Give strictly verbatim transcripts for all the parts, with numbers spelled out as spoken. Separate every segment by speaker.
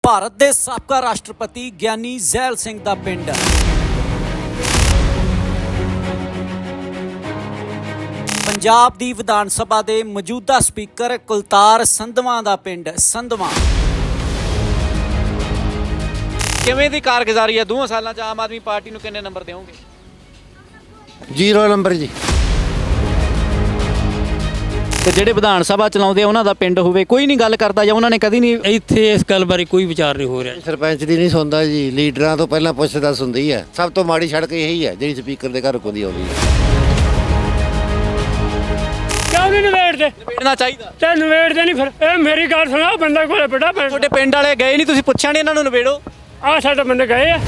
Speaker 1: ਭਾਰਤ ਦੇ ਸਾਬਕਾ ਰਾਸ਼ਟਰਪਤੀ ਗਿਆਨੀ ਜ਼ੈਲ ਸਿੰਘ ਦਾ ਪਿੰਡ ਪੰਜਾਬ ਦੀ ਵਿਧਾਨ ਸਭਾ ਦੇ ਮੌਜੂਦਾ ਸਪੀਕਰ ਕੁਲਤਾਰ ਸੰਧਵਾਂ ਦਾ ਪਿੰਡ ਸੰਧਵਾਂ। ਕਿਵੇਂ ਦੀ ਕਾਰਗੁਜ਼ਾਰੀ ਹੈ ਦੋ ਸਾਲਾਂ 'ਚ ਆਮ ਆਦਮੀ ਪਾਰਟੀ ਨੂੰ ਕਿੰਨੇ ਨੰਬਰ ਦਿਓਗੇ?
Speaker 2: ਜ਼ੀਰੋ ਨੰਬਰ ਜੀ।
Speaker 1: ਤੇ ਜਿਹੜੇ ਵਿਧਾਨ ਸਭਾ ਚਲਾਉਂਦੇ ਆ ਉਹਨਾਂ ਦਾ ਪਿੰਡ ਹੋਵੇ, ਕੋਈ ਨਹੀਂ ਗੱਲ ਕਰਦਾ ਜਾਂ ਉਹਨਾਂ ਨੇ ਕਦੀ ਨਹੀਂ
Speaker 3: ਇੱਥੇ ਇਸ ਗੱਲ ਬਾਰੇ ਕੋਈ ਵਿਚਾਰ ਨਹੀਂ ਹੋ ਰਿਹਾ।
Speaker 2: ਸਰਪੰਚ ਦੀ ਨਹੀਂ ਸੁਣਦਾ ਜੀ, ਲੀਡਰਾਂ ਤੋਂ ਪਹਿਲਾਂ ਪੁੱਛ ਦੱਸ ਹੁੰਦੀ ਹੈ। ਸਭ ਤੋਂ ਮਾੜੀ ਸੜਕ ਇਹੀ ਹੈ ਜਿਹੜੀ ਸਪੀਕਰ ਦੇ ਘਰ ਕੋਲ ਦੀ ਆਉਂਦੀ ਹੈ।
Speaker 4: ਕਿਉਂ ਨਹੀਂ ਨਿਬੇੜਦੇ?
Speaker 1: ਨਿਬੇੜਨਾ ਚਾਹੀਦਾ
Speaker 4: ਤੇ ਨਿਬੇੜਦੇ ਨਹੀਂ ਫਿਰ। ਇਹ ਮੇਰੀ ਗੱਲ ਸੁਣਾ, ਬੰਦਾ ਕੋਲੇ ਬੜਾ ਪਿੰਡ
Speaker 1: ਤੁਹਾਡੇ ਪਿੰਡ ਵਾਲੇ ਗਏ ਨਹੀਂ, ਤੁਸੀਂ ਪੁੱਛਿਆ ਨਹੀਂ ਇਹਨਾਂ ਨੂੰ ਨਿਬੇੜੋ?
Speaker 4: ਆ ਸਾਡੇ ਬੰਦੇ ਗਏ ਆ।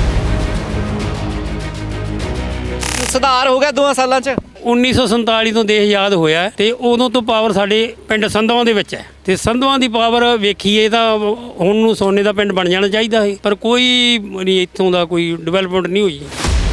Speaker 1: ਸੁਧਾਰ ਹੋ ਗਿਆ ਦੋ ਸਾਲਾਂ 'ਚ?
Speaker 3: ਉੱਨੀ ਸੌ ਸੰਤਾਲੀ ਤੋਂ ਦੇਸ਼ ਆਜ਼ਾਦ ਹੋਇਆ ਤੇ ਉਦੋਂ ਤੋਂ ਪਾਵਰ ਸਾਡੇ ਪਿੰਡ ਸੰਧਵਾਂ ਦੇ ਵਿੱਚ ਹੈ ਤੇ ਸੰਧਵਾਂ ਦੀ ਪਾਵਰ ਵੇਖੀਏ ਤਾਂ ਹੁਣ ਨੂੰ ਸੋਨੇ ਦਾ ਪਿੰਡ ਬਣ ਜਾਣਾ ਚਾਹੀਦਾ ਹੈ, ਪਰ ਕੋਈ ਨਹੀਂ ਇੱਥੋਂ ਦਾ ਕੋਈ ਡਿਵੈਲਪਮੈਂਟ ਨਹੀਂ ਹੋਈ।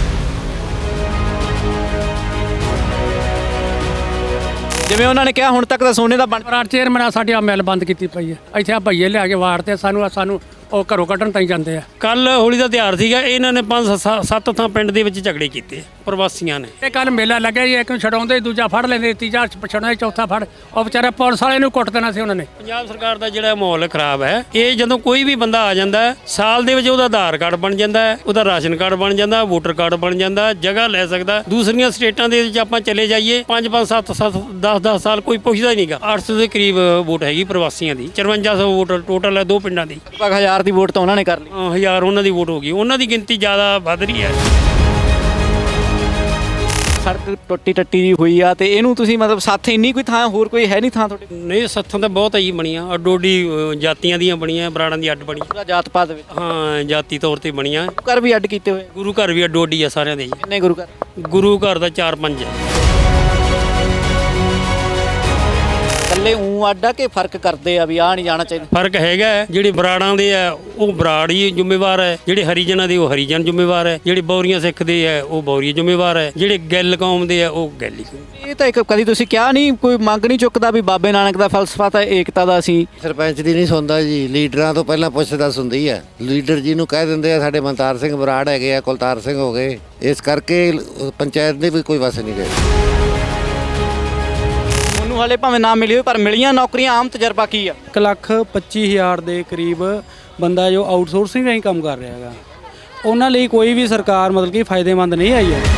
Speaker 1: ਜਿਵੇਂ ਉਹਨਾਂ ਨੇ ਕਿਹਾ ਹੁਣ ਤੱਕ ਤਾਂ ਸੋਨੇ ਦਾ ਬਣ
Speaker 4: ਪਰ ਚੇਅਰਮੈਨ ਆ ਸਾਡੀ ਆ ਮਿਲ ਬੰਦ ਕੀਤੀ ਪਈ ਹੈ। ਇੱਥੇ ਆ ਭਈਏ ਲਿਆ ਕੇ ਵਾੜ ਤੇ ਸਾਨੂੰ ਸਾਨੂੰ ਉਹ ਘਰੋਂ ਕੱਢਣ ਤਾਈਂ ਜਾਂਦੇ ਆ।
Speaker 3: ਕੱਲ ਹੋਲੀ ਦਾ ਤਿਉਹਾਰ ਸੀਗਾ, ਇਹਨਾਂ ਨੇ ਪੰਜ ਸ- ਸੱਤ ਥਾਂ ਪਿੰਡ ਦੇ ਵਿੱਚ ਝਗੜੇ ਕੀਤੇ ਪ੍ਰਵਾਸੀਆਂ ਨੇ।
Speaker 4: ਇਹ ਕੱਲ ਮੇਲਾ ਲੱਗਿਆ ਜੀ, ਇੱਕ ਨੂੰ ਛਡਾਉਂਦੇ ਦੂਜਾ ਫੜ ਲੈਂਦੇ, ਤੀਜਾ ਛਡਾਉਂਦੇ, ਚੌਥਾ ਫੜ। ਉਹ ਵਿਚਾਰੇ ਪੁਲਿਸ ਵਾਲੇ ਨੂੰ ਕੁੱਟ ਦੇਣਾ ਸੀ ਉਹਨਾਂ ਨੇ।
Speaker 3: ਪੰਜਾਬ ਸਰਕਾਰ ਦਾ ਜਿਹੜਾ ਮਾਹੌਲ ਖਰਾਬ ਹੈ, ਇਹ ਜਦੋਂ ਕੋਈ ਵੀ ਬੰਦਾ ਆ ਜਾਂਦਾ ਹੈ, ਸਾਲ ਦੇ ਵਿੱਚ ਉਹਦਾ ਆਧਾਰ ਕਾਰਡ ਬਣ ਜਾਂਦਾ ਹੈ, ਉਹਦਾ ਰਾਸ਼ਨ ਕਾਰਡ ਬਣ ਜਾਂਦਾ, ਵੋਟਰ ਕਾਰਡ ਬਣ ਜਾਂਦਾ, ਜਗ੍ਹਾ ਲੈ ਸਕਦਾ। ਦੂਸਰੀਆਂ ਸਟੇਟਾਂ ਦੇ ਵਿੱਚ ਆਪਾਂ ਚਲੇ ਜਾਈਏ, ਪੰਜ ਪੰਜ ਸੱਤ ਸੱਤ ਦਸ ਦਸ ਸਾਲ ਕੋਈ ਪੁੱਛਦਾ ਹੀ ਨਹੀਂਗਾ। ਅੱਠ ਸੌ ਦੇ ਕਰੀਬ ਵੋਟ ਹੈਗੀ ਪ੍ਰਵਾਸੀਆਂ ਦੀ, ਚੁਰੰਜਾ ਸੌ ਵੋਟ ਟੋਟਲ ਹੈ ਦੋ ਪਿੰਡਾਂ ਦੀ।
Speaker 1: ਲਗਭਗ ਹਜ਼ਾਰ ਦੀ ਵੋਟ ਤਾਂ ਉਹਨਾਂ ਨੇ ਕਰ ਲਈ।
Speaker 3: ਅ, ਹਜ਼ਾਰ ਉਹਨਾਂ ਦੀ ਵੋਟ ਹੋ ਗਈ, ਉਹਨਾਂ ਦੀ ਗਿਣਤੀ ਜ਼ਿਆਦਾ ਵੱਧ ਰਹੀ ਹੈ।
Speaker 1: ਸੜਕ ਟੁੱਟੀ ਟੱਟੀ ਜੀ ਹੋਈ ਆ ਤੇ ਇਹਨੂੰ ਤੁਸੀਂ ਮਤਲਬ ਸਾਥ ਇੰਨੀ ਕੋਈ ਥਾਂ ਹੋਰ ਕੋਈ ਹੈ ਨਹੀਂ ਥਾਂ ਤੁਹਾਡੇ?
Speaker 3: ਨਹੀਂ, ਸੱਥਾਂ ਤਾਂ ਬਹੁਤ ਆਈ ਬਣੀਆਂ, ਅੱਡੋਡੀ ਜਾਤੀਆਂ ਦੀਆਂ ਬਣੀਆਂ, ਬਰਾੜਾਂ ਦੀ ਅੱਡ ਬਣੀ।
Speaker 1: ਪੂਰਾ ਜਾਤ ਪਾਤ ਵਿੱਚ
Speaker 3: ਹਾਂ, ਜਾਤੀ ਤੌਰ ਤੇ ਬਣੀਆਂ।
Speaker 1: ਘਰ ਵੀ ਅੱਡ ਕੀਤੇ ਹੋਏ?
Speaker 3: ਗੁਰੂ ਘਰ ਵੀ ਅੱਡੋਡੀ ਆ ਸਾਰਿਆਂ ਦੇ ਜੀ।
Speaker 1: ਕਿੰਨੇ ਗੁਰੂ ਘਰ?
Speaker 3: ਗੁਰੂ ਘਰ ਦਾ ਚਾਰ ਪੰਜ ਹੈ।
Speaker 1: ਇਕੱਲੇ ਊਂ ਅੱਡ ਆ ਕਿ ਫਰਕ ਕਰਦੇ ਆ ਵੀ ਆਹ ਨਹੀਂ ਜਾਣਾ ਚਾਹੀਦਾ?
Speaker 3: ਫਰਕ ਹੈਗਾ ਹੈ। ਜਿਹੜੇ ਬਰਾੜਾਂ ਦੇ ਆ ਉਹ ਬਰਾੜ ਹੀ ਜ਼ਿੰਮੇਵਾਰ ਹੈ, ਜਿਹੜੇ ਹਰੀਜਨਾਂ ਦੇ ਉਹ ਹਰੀਜਨ ਜ਼ਿੰਮੇਵਾਰ ਹੈ, ਜਿਹੜੇ ਬੌਰੀਆਂ ਸਿੱਖ ਦੇ ਆ ਉਹ ਬੌਰੀ ਜ਼ਿੰਮੇਵਾਰ ਹੈ, ਜਿਹੜੇ ਗਿੱਲ ਕੌਮ ਦੇ ਆ ਉਹ ਗਿੱਲ ਹੀ।
Speaker 1: ਇਹ ਤਾਂ ਇੱਕ ਕਦੀ ਤੁਸੀਂ ਕਿਹਾ ਨਹੀਂ, ਕੋਈ ਮੰਗ ਨਹੀਂ ਚੁੱਕਦਾ ਵੀ ਬਾਬੇ ਨਾਨਕ ਦਾ ਫਲਸਫਾ ਤਾਂ ਏਕਤਾ ਦਾ ਸੀ?
Speaker 2: ਸਰਪੰਚ ਦੀ ਨਹੀਂ ਸੁਣਦਾ ਜੀ, ਲੀਡਰਾਂ ਤੋਂ ਪਹਿਲਾਂ ਪੁੱਛ ਦੱਸ ਹੁੰਦੀ ਹੈ। ਲੀਡਰ ਜੀ ਨੂੰ ਕਹਿ ਦਿੰਦੇ ਆ ਸਾਡੇ ਮਨਤਾਰ ਸਿੰਘ ਬਰਾੜ ਹੈਗੇ ਆ, ਕੁਲਤਾਰ ਸਿੰਘ ਹੋ ਗਏ, ਇਸ ਕਰਕੇ ਪੰਚਾਇਤ ਦੇ ਵੀ ਕੋਈ ਵਸ ਨਹੀਂ ਗਏ।
Speaker 1: ਉਹਨੂੰ ਹਾਲੇ ਭਾਵੇਂ ਨਾ ਮਿਲੀ ਹੋਵੇ ਪਰ ਮਿਲੀਆਂ ਨੌਕਰੀਆਂ, ਆਮ ਤਜਰਬਾ ਕੀ ਆ?
Speaker 5: ਇੱਕ ਲੱਖ ਪੱਚੀ ਹਜ਼ਾਰ ਦੇ ਕਰੀਬ ਬੰਦਾ ਜੋ ਆਊਟਸੋਰਸਿੰਗ ਰਾਹੀਂ ਕੰਮ ਕਰ ਰਿਹਾ ਹੈਗਾ, ਉਹਨਾਂ ਲਈ ਕੋਈ ਵੀ ਸਰਕਾਰ ਮਤਲਬ ਕਿ ਫਾਇਦੇਮੰਦ ਨਹੀਂ ਆਈ ਹੈ।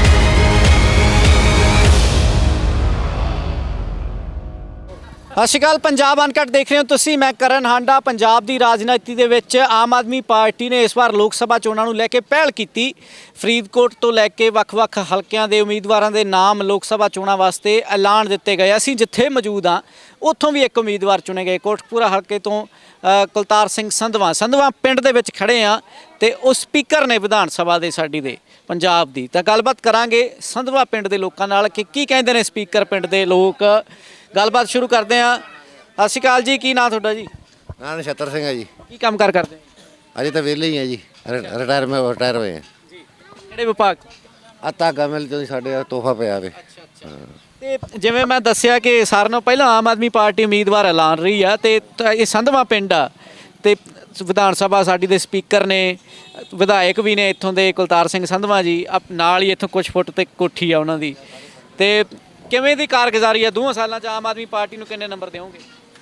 Speaker 1: ਸਤਿ ਸ਼੍ਰੀ ਅਕਾਲ, ਪੰਜਾਬ ਅਨਕਟ ਦੇਖ ਰਹੇ ਹੋ ਤੁਸੀਂ, ਮੈਂ ਕਰਨ ਹਾਂਡਾ। ਪੰਜਾਬ ਦੀ ਰਾਜਨੀਤੀ ਦੇ ਵਿੱਚ ਆਮ ਆਦਮੀ ਪਾਰਟੀ ਨੇ ਇਸ ਵਾਰ ਲੋਕ ਸਭਾ ਚੋਣਾਂ ਨੂੰ ਲੈ ਕੇ ਪਹਿਲ ਕੀਤੀ। ਫਰੀਦਕੋਟ ਤੋਂ ਲੈ ਕੇ ਵੱਖ-ਵੱਖ ਹਲਕਿਆਂ ਦੇ ਉਮੀਦਵਾਰਾਂ ਦੇ ਨਾਮ ਲੋਕ ਸਭਾ ਚੋਣਾਂ ਵਾਸਤੇ ਐਲਾਨ ਦਿੱਤੇ ਗਏ। ਅਸੀਂ ਜਿੱਥੇ ਮੌਜੂਦ ਹਾਂ ਉੱਥੋਂ ਵੀ ਇੱਕ ਉਮੀਦਵਾਰ ਚੁਣੇ ਗਏ। ਕੋਟਕਪੂਰਾ ਹਲਕੇ ਤੋਂ ਕੁਲਤਾਰ ਸਿੰਘ ਸੰਧਵਾਂ ਸੰਧਵਾਂ ਪਿੰਡ ਦੇ ਵਿੱਚ ਖੜੇ ਆ ਤੇ ਉਹ ਸਪੀਕਰ ਨੇ ਵਿਧਾਨ ਸਭਾ ਦੇ ਸਾਡੀ ਦੇ ਪੰਜਾਬ ਦੀ। ਤਾਂ ਗੱਲਬਾਤ ਕਰਾਂਗੇ ਸੰਧਵਾਂ ਪਿੰਡ ਦੇ ਲੋਕਾਂ ਨਾਲ ਕਿ ਕੀ ਕਹਿੰਦੇ ਨੇ ਸਪੀਕਰ ਪਿੰਡ ਦੇ ਲੋਕ। ਗੱਲਬਾਤ ਸ਼ੁਰੂ ਕਰਦੇ ਹਾਂ। ਸਤਿ ਸ਼੍ਰੀ ਅਕਾਲ ਜੀ, ਕੀ ਨਾਂ ਤੁਹਾਡਾ ਜੀ?
Speaker 2: ਨਾਂ ਨਛੱਤਰ ਸਿੰਘ ਹੈ ਜੀ।
Speaker 1: ਕੀ ਕੰਮ ਕਾਰ ਕਰਦੇ?
Speaker 2: ਅਜੇ ਤਾਂ ਵਿਹਲੇ ਹੀ ਆ ਜੀ, ਰਿਟਾਇਰਮੈਂਟ ਰਿਟਾਇਰ ਹੋਏ ਆ
Speaker 1: ਜੀ। ਕਿਹੜੇ ਵਿਭਾਗ?
Speaker 2: ਆ ਧਾਗਾ ਮਿਲ ਤੋਂ ਸਾਡੇ ਤੋਹਫਾ ਪਿਆ ਵੇ।
Speaker 1: ਤੇ ਜਿਵੇਂ ਮੈਂ ਦੱਸਿਆ ਕਿ ਸਾਰਿਆਂ ਨਾਲੋਂ ਪਹਿਲਾਂ ਆਮ ਆਦਮੀ ਪਾਰਟੀ ਉਮੀਦਵਾਰ ਐਲਾਨ ਰਹੀ ਆ ਤੇ ਤ- ਇਹ ਸੰਧਵਾਂ ਪਿੰਡ ਆ ਤੇ ਵਿਧਾਨ ਸਭਾ ਸਾਡੀ ਦੇ ਸਪੀਕਰ ਨੇ, ਵਿਧਾਇਕ ਵੀ ਨੇ ਇੱਥੋਂ ਦੇ ਕੁਲਤਾਰ ਸਿੰਘ ਸੰਧਵਾਂ ਜੀ। ਅਪ- ਨਾਲ ਹੀ ਇੱਥੋਂ ਕੁਛ ਫੁੱਟ ਤੇ ਕੋਠੀ ਆ ਉਹਨਾਂ ਦੀ। ਤੇ ਕਿਵੇਂ ਦੀ ਕਾਰਗੁਜ਼ਾਰੀ ਆ ਦੋ ਸਾਲਾਂ 'ਚ ਆਮ ਆਦਮੀ ਪਾਰਟੀ ਨੂੰ ਕਿੰਨੇ ਨੰਬਰ ਦਿਓਗੇ?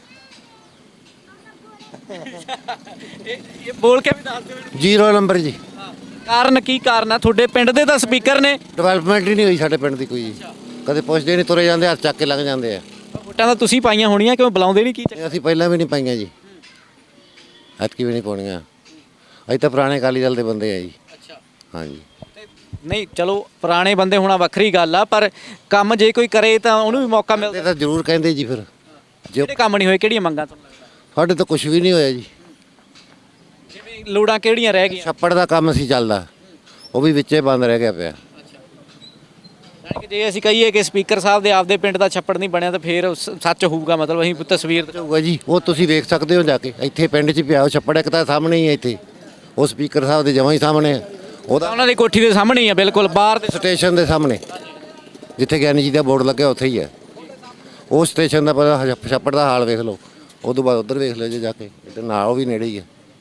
Speaker 1: ਇਹ ਇਹ ਬੋਲ ਕੇ ਵੀ ਦੱਸ ਦਿਓ।
Speaker 2: ਜ਼ੀਰੋ ਨੰਬਰ ਜੀ।
Speaker 1: ਕਾਰਨ ਕੀ ਕਾਰਨ ਆ? ਤੁਹਾਡੇ ਪਿੰਡ ਦੇ ਤਾਂ ਸਪੀਕਰ ਨੇ।
Speaker 2: ਡਿਵੈਲਪਮੈਂਟ ਹੀ ਨਹੀਂ ਹੋਈ ਸਾਡੇ ਪਿੰਡ ਦੀ ਕੋਈ ਜੀ। ਕਦੇ ਪੁੱਛਦੇ ਨਹੀਂ, ਤੁਰੇ ਜਾਂਦੇ, ਹੱਥ ਚੱਕ ਕੇ ਲੰਘ ਜਾਂਦੇ ਆ।
Speaker 1: ਵੋਟਾਂ ਤਾਂ ਤੁਸੀਂ ਪਾਈਆਂ ਹੋਣੀਆਂ, ਕਿਉਂ ਬੁਲਾਉਂਦੇ ਨਹੀਂ? ਕੀ ਚੱਕਰ?
Speaker 2: ਅਸੀਂ ਪਹਿਲਾਂ ਵੀ ਨਹੀਂ ਪਾਈਆਂ ਜੀ, ਐਤਕੀ ਵੀ ਨਹੀਂ ਪਾਉਣੀਆਂ। ਅਸੀਂ ਤਾਂ ਪੁਰਾਣੇ ਅਕਾਲੀ ਦਲ ਦੇ ਬੰਦੇ ਆ ਜੀ।
Speaker 1: ਅੱਛਾ।
Speaker 2: ਹਾਂਜੀ।
Speaker 1: ਨਹੀਂ ਚਲੋ, ਪੁਰਾਣੇ ਬੰਦੇ ਹੋਣਾ ਵੱਖਰੀ ਗੱਲ ਆ, ਪਰ ਕੰਮ ਜੇ ਕੋਈ ਕਰੇ ਤਾਂ ਉਹਨੂੰ ਵੀ ਮੌਕਾ
Speaker 2: ਇਹ
Speaker 1: ਮਿਲਦਾ।
Speaker 2: ਤਾਂ ਜ਼ਰੂਰ ਕਹਿੰਦੇ ਜੀ। ਫਿਰ ਜੋ
Speaker 1: ਜਿਹੜੇ ਕੰਮ ਨਹੀਂ ਹੋਏ, ਕਿਹੜੀਆਂ ਮੰਗਾਂ ਤੁਹਾਨੂੰ ਲੱਗਦਾ?
Speaker 2: ਸਾਡੇ ਤਾਂ ਕੁਝ ਵੀ ਨਹੀਂ ਹੋਇਆ ਜੀ।
Speaker 1: ਜਿਵੇਂ ਲੋੜਾਂ ਕਿਹੜੀਆਂ ਰਹਿ ਗਈਆਂ?
Speaker 2: ਛੱਪੜ ਦਾ ਕੰਮ ਸੀ ਚੱਲਦਾ, ਉਹ ਵੀ ਵਿੱਚੇ ਬੰਦ ਰਹਿ ਗਿਆ ਪਿਆ।
Speaker 1: ਯਾਨੀ ਕਿ ਜੇ ਅਸੀਂ ਕਹੀਏ ਕਿ ਸਪੀਕਰ ਸਾਹਿਬ ਦੇ ਆਪਦੇ ਪਿੰਡ ਦਾ ਛੱਪੜ ਨਹੀਂ ਬਣਿਆ ਤਾਂ ਫਿਰ ਸ- ਸੱਚ ਹੋਊਗਾ, ਮਤਲਬ ਅਸੀਂ ਤਸਵੀਰ
Speaker 2: ਹੋਊਗਾ ਜੀ, ਉਹ ਤੁਸੀਂ ਵੇਖ ਸਕਦੇ ਹੋ ਜਾ ਕੇ। ਇੱਥੇ ਪਿੰਡ 'ਚ ਪਿਆ ਉਹ ਛੱਪੜ, ਇੱਕ ਤਾਂ ਸਾਹਮਣੇ ਹੀ ਹੈ ਇੱਥੇ, ਉਹ ਸਪੀਕਰ ਸਾਹਿਬ ਦੇ ਜਮਾਂ ਹੀ ਸਾਹਮਣੇ ਹੈ। ਉਹਦਾ
Speaker 1: ਉਹਨਾਂ ਦੀ ਕੋਠੀ ਦੇ ਸਾਹਮਣੇ ਹੀ ਆ, ਬਿਲਕੁਲ ਬਾਹਰ ਦੇ।
Speaker 2: ਸਟੇਸ਼ਨ ਦੇ ਸਾਹਮਣੇ ਜਿੱਥੇ ਗਿਆਨੀ ਜੀ ਦਾ ਬੋਰਡ ਲੱਗਿਆ ਉੱਥੇ ਹੀ ਹੈ। ਉਹ ਸਟੇਸ਼ਨ ਦਾ ਪਤਾ ਛੱਪੜ ਦਾ ਹਾਲ ਵੇਖ ਲਓ, ਉਹ ਤੋਂ ਬਾਅਦ ਉੱਧਰ ਵੇਖ ਲਿਓ ਜੇ ਜਾ ਕੇ, ਇੱਧਰ ਨਾਲ ਉਹ ਵੀ ਨੇੜੇ ਹੀ ਹੈ।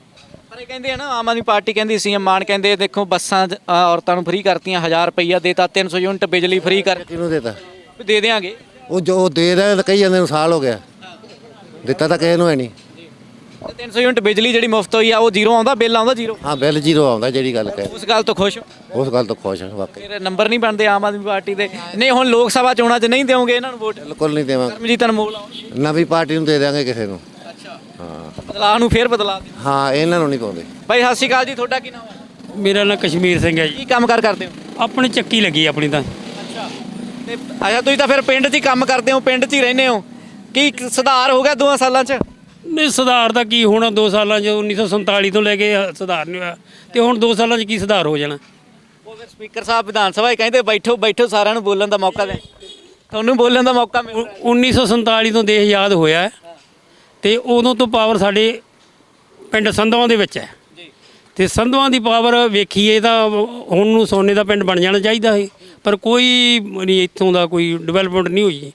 Speaker 1: ਪਰ ਇਹ ਕਹਿੰਦੇ ਆ ਨਾ, ਆਮ ਆਦਮੀ ਪਾਰਟੀ ਕਹਿੰਦੀ ਸੀ, ਮਾਨ ਕਹਿੰਦੇ ਦੇਖੋ ਬੱਸਾਂ 'ਚ, ਅ, ਔਰਤਾਂ ਨੂੰ ਫ੍ਰੀ ਕਰਤੀਆਂ, ਹਜ਼ਾਰ ਰੁਪਈਆ ਦੇਤਾ, ਤਿੰਨ ਸੌ ਯੂਨਿਟ ਬਿਜਲੀ ਫ੍ਰੀ ਕਰ
Speaker 2: ਕਿਹਨੂੰ ਦੇਤਾ?
Speaker 1: ਵੀ ਦੇ ਦਿਆਂਗੇ।
Speaker 2: ਉਹ ਜੋ ਦੇ ਰਿਹਾ ਤਾਂ ਕਈ ਜਾਂਦੇ ਨੂੰ ਸਾਲ ਹੋ ਗਿਆ, ਦਿੱਤਾ ਤਾਂ ਕਿਸੇ ਨੂੰ ਹੈ ਨਹੀਂ।
Speaker 1: ਤੇ ਤਿੰਨ ਸੌ ਯੂਨਿਟ ਬਿਜਲੀ ਜਿਹੜੀ ਮੁਫਤ ਹੋਈ ਆ ਉਹ ਜ਼ੀਰੋ ਆਉਂਦਾ, ਬਿੱਲ ਆਉਂਦਾ ਜ਼ੀਰੋ।
Speaker 2: ਹਾਂ ਬਿੱਲ ਜ਼ੀਰੋ ਆਉਂਦਾ, ਜਿਹੜੀ ਗੱਲ ਕਹੇ
Speaker 1: ਉਸ ਗੱਲ ਤੋਂ ਖੁਸ਼ ਹੋ?
Speaker 2: ਉਸ ਗੱਲ ਤੋਂ ਖੁਸ਼ ਹਾਂ ਵਾਕਈ।
Speaker 1: ਫਿਰ ਨੰਬਰ ਨਹੀਂ ਬਣਦੇ ਆਮ ਆਦਮੀ ਪਾਰਟੀ ਦੇ। ਨਹੀਂ ਹੁਣ ਲੋਕ ਸਭਾ ਚੋਣਾਂ 'ਚ ਨਹੀਂ ਦਿਓਗੇ ਇਹਨਾਂ ਨੂੰ ਵੋਟ?
Speaker 2: ਬਿਲਕੁਲ ਨਹੀਂ ਦੇਵਾਂਗੇ,
Speaker 1: ਕਰਮਜੀਤ ਅਨਮੋਲ ਆਉਣਗੇ।
Speaker 2: ਨਵੀਂ ਪਾਰਟੀ ਨੂੰ ਦੇ ਦਿਆਂਗੇ ਕਿਸੇ ਨੂੰ।
Speaker 1: ਅੱਛਾ,
Speaker 2: ਹਾਂ
Speaker 1: ਬਦਲਾਅ ਨੂੰ ਫੇਰ ਬਦਲਾ ਦਿਓ।
Speaker 2: ਹਾਂ ਇਹਨਾਂ ਨੂੰ ਨਹੀਂ ਪਾਉਂਦੇ।
Speaker 1: ਭਾਈ ਸਤਿ ਸ਼੍ਰੀ ਅਕਾਲ ਜੀ, ਤੁਹਾਡਾ ਕੀ ਨਾਮ ਹੈ?
Speaker 3: ਮੇਰਾ ਨਾਂ ਕਸ਼ਮੀਰ ਸਿੰਘ ਹੈ ਜੀ।
Speaker 1: ਕੀ ਕੰਮ ਕਾਰ ਕਰਦੇ ਹੋ?
Speaker 3: ਆਪਣੀ ਚੱਕੀ ਲੱਗੀ ਆਪਣੀ ਤਾਂ।
Speaker 1: ਅੱਛਾ, ਤੇ ਅੱਛਾ ਤੁਸੀਂ ਤਾਂ ਫਿਰ ਪਿੰਡ 'ਚ ਹੀ ਕੰਮ ਕਰਦੇ ਹੋ, ਪਿੰਡ 'ਚ ਹੀ ਰਹਿੰਦੇ ਹੋ। ਕੀ ਸੁਧਾਰ ਹੋ ਗਿਆ ਦੋਆਂ ਸਾਲਾਂ 'ਚ?
Speaker 3: ਨਹੀਂ ਸੁਧਾਰ ਦਾ ਕੀ ਹੋਣਾ, ਦੋ ਸਾਲਾਂ 'ਚ ਉੱਨੀ ਸੌ ਸੰਤਾਲੀ ਤੋਂ ਲੈ ਕੇ ਸੁਧਾਰ ਨਹੀਂ ਹੋਇਆ, ਤੇ ਹੁਣ ਦੋ ਸਾਲਾਂ 'ਚ ਕੀ ਸੁਧਾਰ ਹੋ ਜਾਣਾ?
Speaker 1: ਉਹ ਫਿਰ ਸਪੀਕਰ ਸਾਹਿਬ ਵਿਧਾਨ ਸਭਾ 'ਚ ਕਹਿੰਦੇ ਬੈਠੋ ਬੈਠੋ, ਸਾਰਿਆਂ ਨੂੰ ਬੋਲਣ ਦਾ ਮੌਕਾ ਦੇ। ਤੁਹਾਨੂੰ ਬੋਲਣ ਦਾ ਮੌਕਾ ਮਿਲ ਰਿਹਾ।
Speaker 3: ਉੱਨੀ ਸੌ ਸੰਤਾਲੀ ਤੋਂ ਦੇਸ਼ ਆਜ਼ਾਦ ਹੋਇਆ ਹੈ, ਤੇ ਉਦੋਂ ਤੋਂ ਪਾਵਰ ਸਾਡੇ ਪਿੰਡ ਸੰਧਵਾਂ ਦੇ ਵਿੱਚ ਹੈ। ਤੇ ਸੰਧਵਾਂ ਦੀ ਪਾਵਰ ਵੇਖੀਏ ਤਾਂ ਹੁਣ ਨੂੰ ਸੋਨੇ ਦਾ ਪਿੰਡ ਬਣ ਜਾਣਾ ਚਾਹੀਦਾ ਹੈ, ਪਰ ਕੋਈ ਨਹੀਂ, ਇੱਥੋਂ ਦਾ ਕੋਈ ਡਿਵੈਲਪਮੈਂਟ ਨਹੀਂ ਹੋਈ।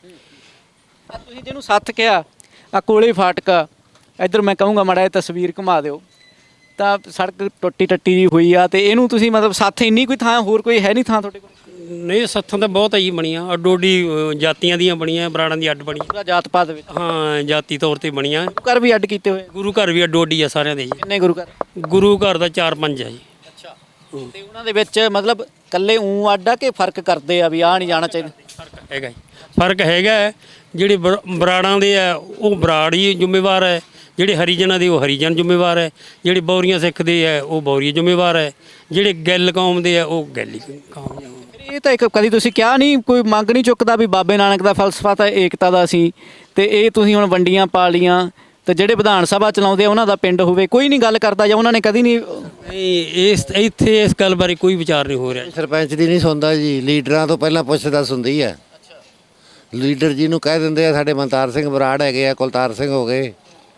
Speaker 1: ਆਹ ਤੁਸੀਂ ਜਿਹਨੂੰ ਸੱਥ ਕਿਹਾ, ਆ ਕੋਲੇ ਫਾਟਕਾ, ਇੱਧਰ ਮੈਂ ਕਹੂੰਗਾ ਮਾੜਾ ਜਿਹਾ ਤਸਵੀਰ ਘੁਮਾ ਦਿਓ, ਤਾਂ ਸੜਕ ਟੁੱਟੀ ਟੱਟੀ ਜੀ ਹੋਈ ਆ, ਤੇ ਇਹਨੂੰ ਤੁਸੀਂ ਮਤਲਬ ਸੱਥ ਇੰਨੀ ਕੋਈ ਥਾਂ ਹੋਰ ਕੋਈ ਹੈ ਨਹੀਂ ਥਾਂ ਤੁਹਾਡੇ ਕੋਲ?
Speaker 3: ਨਹੀਂ ਸੱਥਾਂ ਤਾਂ ਬਹੁਤ ਆਈ ਬਣੀਆਂ, ਅੱਡੋ ਅੱਡੀ ਅ, ਜਾਤੀਆਂ ਦੀਆਂ ਬਣੀਆਂ, ਬਰਾੜਾਂ ਦੀ ਅੱਡ ਬਣੀ।
Speaker 1: ਪੂਰਾ ਜਾਤ ਪਾਤ ਵਿੱਚ
Speaker 3: ਹਾਂ ਜਾਤੀ ਤੌਰ ਤੇ ਬਣੀਆਂ।
Speaker 1: ਘਰ ਵੀ ਅੱਡ ਕੀਤੇ ਹੋਏ?
Speaker 3: ਗੁਰੂ ਘਰ ਵੀ ਅੱਡੋ ਅੱਡੀ ਆ ਸਾਰਿਆਂ ਦੇ ਜੀ।
Speaker 1: ਕਿੰਨੇ ਗੁਰੂ ਘਰ?
Speaker 3: ਗੁਰੂ ਘਰ ਦਾ ਚਾਰ ਪੰਜ ਆ ਜੀ।
Speaker 1: ਅੱਛਾ, ਤੇ ਉਹਨਾਂ ਦੇ ਵਿੱਚ ਮਤਲਬ ਕੱਲੇ ਊਂ ਅੱਡ ਆ ਕਿ ਫਰਕ ਕਰਦੇ ਆ ਵੀ ਆਹ ਨਹੀਂ ਜਾਣਾ ਚਾਹੀਦਾ?
Speaker 3: ਫਰਕ ਹੈਗਾ ਜੀ, ਫਰਕ ਹੈਗਾ ਹੈ। ਜਿਹੜੇ ਬਰ- ਬਰਾੜਾਂ ਦੇ ਆ ਉਹ ਬਰਾੜ ਹੀ ਜ਼ਿੰਮੇਵਾਰ ਹੈ, ਜਿਹੜੇ ਹਰੀਜਨਾਂ ਦੇ ਉਹ ਹਰੀਜਨ ਜ਼ਿੰਮੇਵਾਰ ਹੈ, ਜਿਹੜੇ ਬੌਰੀਆਂ ਸਿੱਖ ਦੇ ਆ ਉਹ ਬੌਰੀਆ ਜ਼ਿੰਮੇਵਾਰ ਹੈ, ਜਿਹੜੇ ਗਿੱਲ ਕੌਮ ਦੇ ਆ ਉਹ ਗਿੱਲ ਹੀ ਕੌਮ ਦੇ।
Speaker 1: ਇਹ ਤਾਂ ਇੱਕ ਕਦੀ ਤੁਸੀਂ ਕਿਹਾ ਨਹੀਂ, ਕੋਈ ਮੰਗ ਨਹੀਂ ਚੁੱਕਦਾ ਵੀ ਬਾਬੇ ਨਾਨਕ ਦਾ ਫਲਸਫਾ ਤਾਂ ਏਕਤਾ ਦਾ ਸੀ, ਤੇ ਇਹ ਤੁਸੀਂ ਹੁਣ ਵੰਡੀਆਂ ਪਾ ਲੀਆਂ, ਤੇ ਜਿਹੜੇ ਵਿਧਾਨ ਸਭਾ ਚਲਾਉਂਦੇ ਆ ਉਹਨਾਂ ਦਾ ਪਿੰਡ ਹੋਵੇ, ਕੋਈ ਨਹੀਂ ਗੱਲ ਕਰਦਾ, ਜਾਂ ਉਹਨਾਂ ਨੇ ਕਦੀ ਨਹੀਂ?
Speaker 3: ਨਹੀਂ ਇਸ ਇੱਥੇ ਇਸ ਗੱਲ ਬਾਰੇ ਕੋਈ ਵਿਚਾਰ ਨਹੀਂ ਹੋ ਰਿਹਾ।
Speaker 2: ਸਰਪੰਚ ਦੀ ਨਹੀਂ ਸੁਣਦਾ ਜੀ, ਲੀਡਰਾਂ ਤੋਂ ਪਹਿਲਾਂ ਪੁੱਛਦਾ ਸੁਣਦੀ ਆ। ਲੀਡਰ ਜੀ ਨੂੰ ਕਹਿ ਦਿੰਦੇ ਆ, ਸਾਡੇ ਮਨਤਾਰ ਸਿੰਘ ਬਰਾੜ ਹੈਗੇ ਆ, ਕੁਲਤਾਰ ਸਿੰਘ ਹੋ ਗਏ,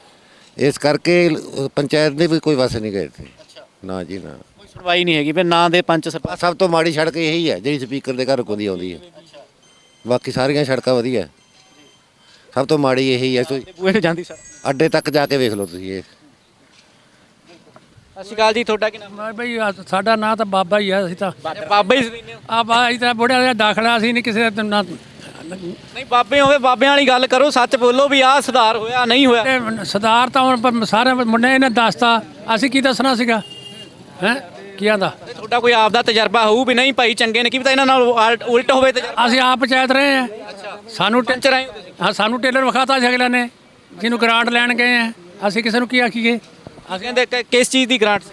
Speaker 2: ਇਸ ਕਰਕੇ ਪੰਚਾਇਤ ਦੇ ਵੀ ਕੋਈ ਵਸ ਨਹੀਂ ਗਏ ਇੱਥੇ। ਨਾ ਜੀ ਨਾ,
Speaker 1: ਕੋਈ ਸੁਣਵਾਈ ਨਹੀਂ ਹੈਗੀ, ਫਿਰ ਨਾਂ ਦੇ ਪੰਚ ਸਰਪੰਚ।
Speaker 2: ਸਭ ਤੋਂ ਮਾੜੀ ਸੜਕ ਇਹੀ ਹੈ ਜਿਹੜੀ ਸਪੀਕਰ ਦੇ ਘਰ ਕੋਲ ਦੀ ਆਉਂਦੀ ਹੈ, ਬਾਕੀ ਸਾਰੀਆਂ ਸੜਕਾਂ ਵਧੀਆ, ਸਭ ਤੋਂ ਮਾੜੀ ਇਹੀ ਹੈ। ਤੁਸੀਂ
Speaker 1: ਬੂਹੇ ਨੂੰ ਜਾਂਦੀ ਸਰ।
Speaker 2: ਅੱਡੇ ਤੱਕ ਜਾ ਕੇ ਵੇਖ ਲਓ ਤੁਸੀਂ ਇਹ।
Speaker 1: ਸਤਿ ਸ਼੍ਰੀ ਅਕਾਲ ਜੀ, ਤੁਹਾਡਾ ਕੀ ਨਾਮ?
Speaker 4: ਮੈਂ ਬਈ ਆਹ ਸਾਡਾ ਨਾਂ ਤਾਂ ਬਾਬਾ ਹੀ ਆ, ਅਸੀਂ ਤਾਂ
Speaker 1: ਬਾਬਾ ਹੀ ਸੀ।
Speaker 4: ਆ ਬਾ ਅਸੀਂ ਤਾਂ ਬੁੜਿਆਂ ਦਾ ਦਾਖਲਾ ਅਸੀਂ ਨਹੀਂ ਕਿਸੇ ਦਾ ਨਾਂ।
Speaker 1: ਨਹੀਂ ਬਾਬੇ ਹੋਵੇ, ਬਾਬਿਆਂ ਵਾਲੀ ਗੱਲ ਕਰੋ, ਸੱਚ ਬੋਲੋ ਵੀ ਆਹ ਸੁਧਾਰ ਹੋਇਆ ਨਹੀਂ ਹੋਇਆ।
Speaker 4: ਤੇ ਸਰਦਾਰ ਤਾਂ ਹੁਣ ਪ- ਸਾਰੇ ਮੁੰਡੇ ਇਹਨੇ ਦੱਸਤਾ, ਅਸੀਂ ਕੀ ਦੱਸਣਾ ਸੀਗਾ? ਹੈ ਕੀ ਆਂਦਾ?
Speaker 1: ਤੇ ਤੁਹਾਡਾ ਕੋਈ ਆਪ ਦਾ ਤਜਰਬਾ ਹੋਊ ਵੀ ਨਹੀਂ ਭਾਈ ਚੰਗੇ ਨੇ, ਕੀ ਪਤਾ ਇਹਨਾਂ ਨਾਲ ਉਲਟ ਉਲਟ ਹੋਵੇ ਤਜਰਬਾ।
Speaker 4: ਅਸੀਂ ਆਪ ਪੰਚਾਇਤ ਰਹੇ ਆ, ਸਾਨੂੰ ਟੇ-
Speaker 1: ਪੰਚ ਰਹੇ ਹੋ ਤੁਸੀਂ?
Speaker 4: ਹਾਂ ਸਾਨੂੰ ਟੇਲਰ ਵਿਖਾਤਾ ਸੀ ਅਗਲੇ ਨੇ, ਜਿਹਨੂੰ ਗ੍ਰਾਂਟ ਲੈਣ ਗਏ ਆ, ਅਸੀਂ ਕਿਸੇ ਨੂੰ ਕੀ ਆਖੀਏ?
Speaker 1: ਅਸੀਂ ਕਹਿੰਦੇ ਕਿ- ਕਿਸ ਚੀਜ਼ ਦੀ ਗ੍ਰਾਂਟ?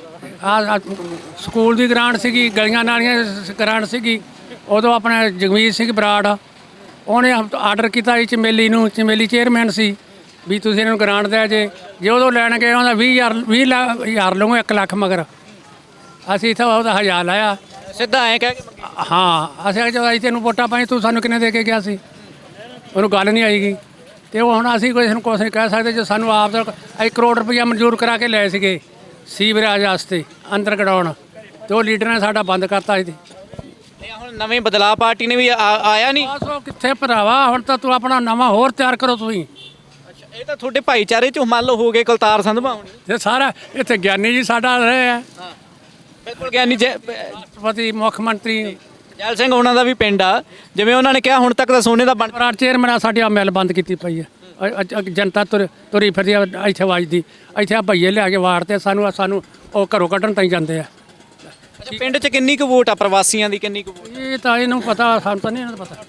Speaker 4: ਆ ਸਕੂਲ ਦੀ ਗ੍ਰਾਂਟ ਸੀਗੀ, ਗਲੀਆਂ ਨਾਲੀਆਂ ਸ- ਗ੍ਰਾਂਟ ਸੀਗੀ। ਉਦੋਂ ਆਪਣਾ ਜਗਮੀਤ ਸਿੰਘ ਬਰਾੜ ਉਹਨੇ ਆਰਡਰ ਕੀਤਾ ਸੀ ਚਮੇਲੀ ਨੂੰ, ਚਮੇਲੀ ਚੇਅਰਮੈਨ ਸੀ, ਵੀ ਤੁਸੀਂ ਇਹਨਾਂ ਨੂੰ ਗ੍ਰਾਂਟ ਦਿਆ ਜੇ। ਜੇ ਉਦੋਂ ਲੈਣ ਗਏ ਉਹਦਾ ਵੀਹ ਹਜ਼ਾਰ ਵੀਹ ਲੱਖ ਹਜ਼ਾਰ ਲਵਾਂਗੇ, ਇੱਕ ਲੱਖ ਮਗਰ ਅਸੀਂ ਇੱਥੇ ਉਹਦਾ ਹਜ਼ਾਰ ਲਾਇਆ।
Speaker 1: ਸਿੱਧਾ ਐਂ ਕਹਿ ਕੇ ਮੰਗੀ?
Speaker 4: ਹਾਂ ਅਸੀਂ ਜਦੋਂ ਅਸੀਂ ਤੈਨੂੰ ਵੋਟਾਂ ਪਾਈ, ਤੂੰ ਸਾਨੂੰ ਕਿੰਨੇ ਦੇ ਕੇ ਗਿਆ ਸੀ? ਉਹਨੂੰ ਗੱਲ ਨਹੀਂ ਆਏਗੀ। ਤੇ ਉਹ ਹੁਣ ਅਸੀਂ ਕੋਈ ਨੂੰ ਕੁਛ ਨਹੀਂ ਕਹਿ ਸਕਦੇ, ਜੋ ਸਾਨੂੰ ਆਪ ਦਾ ਇੱਕ ਕਰੋੜ ਰੁਪਈਆ ਮਨਜ਼ੂਰ ਕਰਾ ਕੇ ਲਏ ਸੀਗੇ ਸੀਵਰੇਜ ਵਾਸਤੇ ਅੰਦਰ ਕਢਾਉਣ, ਤੇ ਉਹ ਲੀਡਰ ਨੇ ਸਾਡਾ ਬੰਦ ਕਰਤਾ ਸੀ।
Speaker 1: ਨਹੀਂ ਹੁਣ ਨਵੇਂ ਬਦਲਾਅ ਪਾਰਟੀ ਨੇ ਵੀ ਆ- ਆਇਆ ਨਹੀਂ?
Speaker 4: ਬਸ ਉਹ ਕਿੱਥੇ ਭਰਾਵਾ, ਹੁਣ ਤਾਂ ਤੂੰ ਆਪਣਾ ਨਵਾਂ ਹੋਰ ਤਿਆਰ ਕਰੋ ਤੁਸੀਂ।
Speaker 1: ਅੱਛਾ, ਇਹ ਤਾਂ ਤੁਹਾਡੇ ਭਾਈਚਾਰੇ ਚ ਮੰਨ ਲਓ ਹੋ ਗਏ ਕੁਲਤਾਰ ਸੰਧਵਾ ਹੋਣੀ।
Speaker 4: ਤੇ ਸਾਰਾ ਇੱਥੇ ਗਿਆਨੀ ਜੀ ਸਾਡਾ ਰਹੇ ਆ,
Speaker 1: ਹਾਂ ਬਿਲਕੁਲ ਗਿਆਨੀ ਜੈ
Speaker 4: ਰਾਸ਼ਟਰਪਤੀ ਮੁੱਖ ਮੰਤਰੀ
Speaker 1: ਜੈਲ ਸਿੰਘ ਉਹਨਾਂ ਦਾ ਵੀ ਪਿੰਡ ਆ, ਜਿਵੇਂ ਉਹਨਾਂ ਨੇ ਕਿਹਾ ਹੁਣ ਤੱਕ ਤਾਂ ਸੋਨੇ ਦਾ ਬਣ।
Speaker 4: ਬਰਾੜ ਚੇਅਰਮੈਨ ਆ ਸਾਡੀ ਆ ਮਿਲ ਬੰਦ ਕੀਤੀ ਪਈ ਆ। ਅ- ਅ- ਜਨਤਾ ਤੁਰ ਤੁਰੀ ਫਿਰਦੀ ਆ ਇੱਥੇ ਵੱਜਦੀ, ਇੱਥੇ ਆ ਭਈਏ ਲਿਆ ਕੇ ਵਾੜਦੇ ਸਾਨੂੰ, ਸਾਨੂੰ ਉਹ ਘਰੋਂ ਕੱਢਣ ਤਾਈਂ ਜਾਂਦੇ ਆ।
Speaker 1: ਅੱਛਾ, ਪਿੰਡ ਚ ਕਿੰਨੀ ਕੁ ਵੋਟ ਆ ਪ੍ਰਵਾਸੀਆਂ ਦੀ, ਕਿੰਨੀ ਕੁ ਵੋਟ?
Speaker 4: ਇਹ ਤਾਂ ਇਹਨੂੰ ਪਤਾ, ਸਾਨੂੰ ਤਾਂ ਨਹੀਂ ਇਹਨਾਂ ਦਾ ਪਤਾ।